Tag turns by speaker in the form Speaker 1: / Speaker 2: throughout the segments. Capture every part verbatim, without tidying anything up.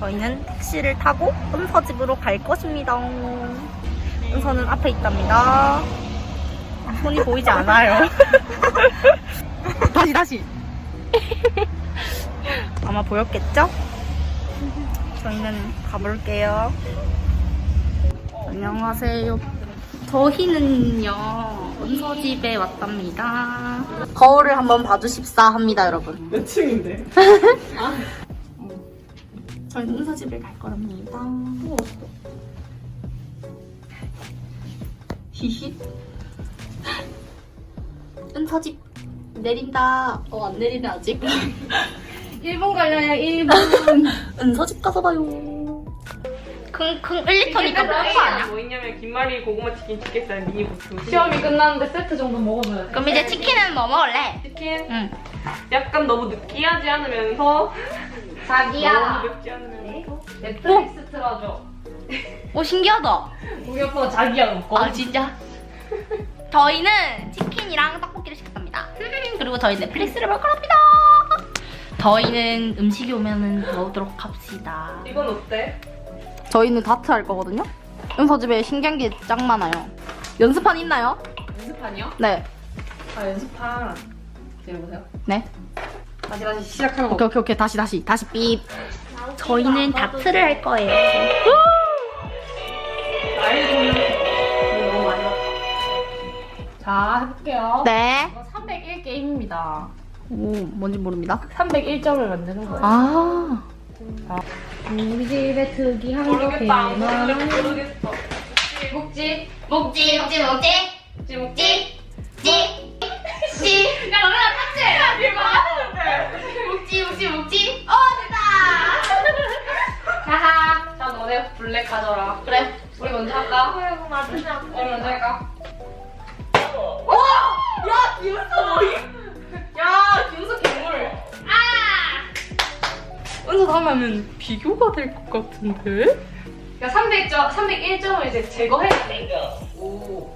Speaker 1: 저희는 택시를 타고 은서 집으로 갈 것입니다. 은서는 앞에 있답니다. 손이 보이지 않아요. 다시 다시. 아마 보였겠죠? 저희는 가볼게요. 안녕하세요. 저희는요 은서 집에 왔답니다. 거울을 한번 봐주십사 합니다, 여러분.
Speaker 2: 몇 층인데?
Speaker 1: 아. 저희는 은서 집에 갈 거랍니다. 히히. 은서 집 내린다. 어, 안 내리네 아직.
Speaker 2: 일 분 걸려요, 일 분.
Speaker 1: 은서 집 가서 봐요. 킁킁 일 리터니까 뭐 아니야?
Speaker 2: 뭐 있냐면 김말이 고구마 치킨 치겠어요, 미니 고추. 시험이 끝났는데 세트 정도 먹어줘야 돼.
Speaker 1: 그럼 이제 치킨은 뭐 먹을래?
Speaker 2: 치킨?
Speaker 1: 응.
Speaker 2: 약간 너무 느끼하지 않으면서
Speaker 1: 자기야.
Speaker 2: 너무 맵지 않으면서 넷플릭스 틀어줘.
Speaker 1: 오, 신기하다.
Speaker 2: 우리 오빠가 자기야 먹고.
Speaker 1: 아, 진짜? 저희는 치킨이랑 떡볶이를 시켰답니다. 그리고 저희 넷플릭스를 볼 거랍니다. 저희는 음식이 오면은 먹도록 합시다.
Speaker 2: 이건 어때?
Speaker 1: 저희는 다트 할 거거든요? 은서 집에 신기한 게 짱 많아요. 연습판 있나요?
Speaker 2: 연습판이요?
Speaker 1: 네.
Speaker 2: 아, 연습판. 들어보세요.
Speaker 1: 네.
Speaker 2: 다시 다시 시작하는 거.
Speaker 1: 오케이, 오케이, 오케이. 다시, 다시. 다시 삐. 저희는 다트를 할 거예요.
Speaker 2: 아이고, 너무 많이 왔다. 자, 해볼게요.
Speaker 1: 네.
Speaker 2: 이거 삼백일 게임입니다.
Speaker 1: 오, 뭔지 모릅니다.
Speaker 2: 삼백일 점을 만드는 거예요.
Speaker 1: 아.
Speaker 2: 우리 집에 특이한 거
Speaker 3: 모르겠다.
Speaker 2: 개만.
Speaker 3: 모르겠어.
Speaker 2: 묵지,
Speaker 1: 먹지, 먹지, 먹지.
Speaker 2: 묵지, 묵지.
Speaker 1: 찌. 찌. 야, 너네가 탔지?
Speaker 3: 야, 이거 하는데.
Speaker 1: 먹지, 먹지, 먹지. 어, 됐다.
Speaker 2: 하하. 자, 너네 블랙 가져라.
Speaker 1: 그래.
Speaker 2: 우리 먼저 할까?
Speaker 3: 아이고, 맞으냐.
Speaker 2: 우리 먼저 할까?
Speaker 1: 야, 김은서 뭐이?
Speaker 2: 야, 김수 괴물.
Speaker 3: 은서 하면 비교가 될 것 같은데?
Speaker 2: 야, 삼백 점, 삼백일 점을 이제 제거해야 돼. 오.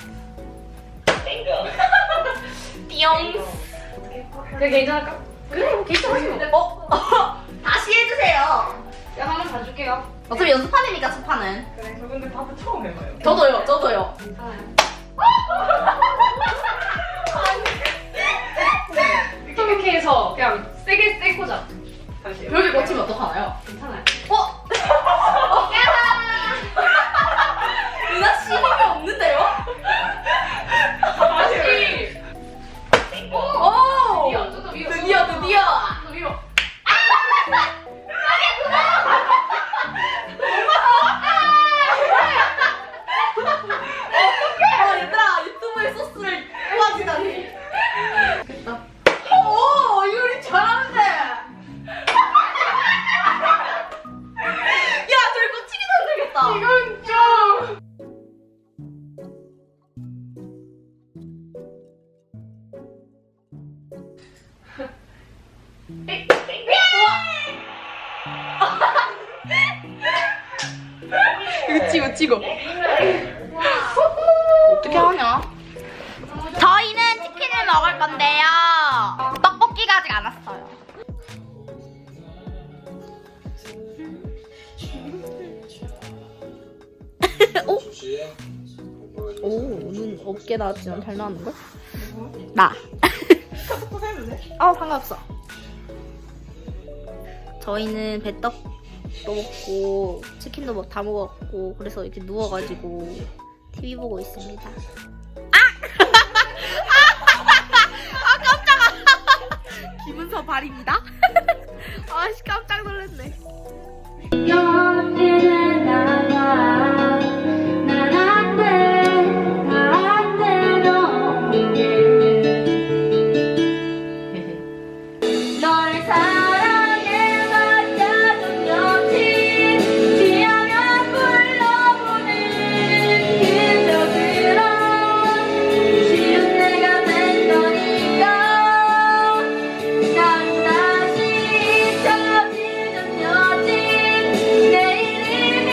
Speaker 1: 띠용.
Speaker 2: 그래, 괜찮을까? 그래, 뭐 괜찮아.
Speaker 1: 어? 다시 해주세요.
Speaker 2: 야, 한 번 봐줄게요.
Speaker 1: 어차피 연습판이니까, 첫 판은.
Speaker 2: 그래, 저 근데 밥을 처음 해봐요.
Speaker 1: 저도요, 저도요.
Speaker 2: 괜찮아요. 이렇게, 이렇게 해서 그냥 세게 세게 꽂아. 다시.
Speaker 1: 벽에 꽂히면 어떡하나요?
Speaker 2: 괜찮아요.
Speaker 1: 어? 누나 씨 힘이 없는데요?
Speaker 2: 다시.
Speaker 1: 오!
Speaker 2: 위로, 좀더 위로.
Speaker 1: 드디어, 드디어!
Speaker 2: 더 위로.
Speaker 1: 어, 얘들아, 유튜브에 소스를 뽑아주다니. 됐다. 오, 유리 잘하는데. 야, 저희 꽂히기 힘들겠다.
Speaker 2: 이건 좀.
Speaker 3: 이거 찍어, 찍어.
Speaker 1: 어떻게 하냐? 저희는 치킨을 먹을 건데요. 떡볶이가 아직 안 왔어요. 오? 오, 눈 없게 나왔지만 잘 나왔는걸? 나. 어, 상관없어. 저희는 배떡도 먹고 치킨도 막 다 먹었고 그래서 이렇게 누워가지고 티비 보고 있습니다. 아! 아, 깜짝아! 김은서 발입니다. 아씨, 깜짝 놀랐네. 널 사랑해 맞아준 여친 지하면 불러보는 그저그런 쉬운 내가 된 거니까 난 다시 잊혀지는 여친 내일이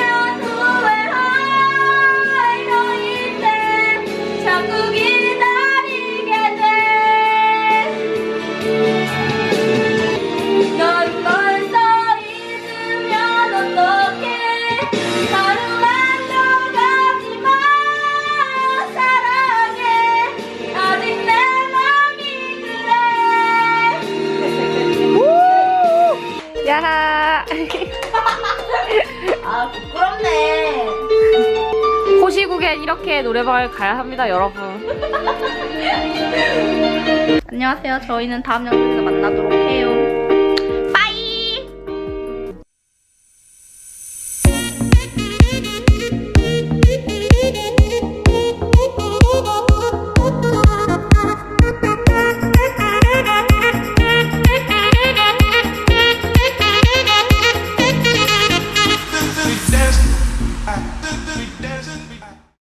Speaker 2: 결국엔 이렇게 노래방을 가야 합니다, 여러분.
Speaker 1: 안녕하세요. 저희는 다음 영상에서 만나도록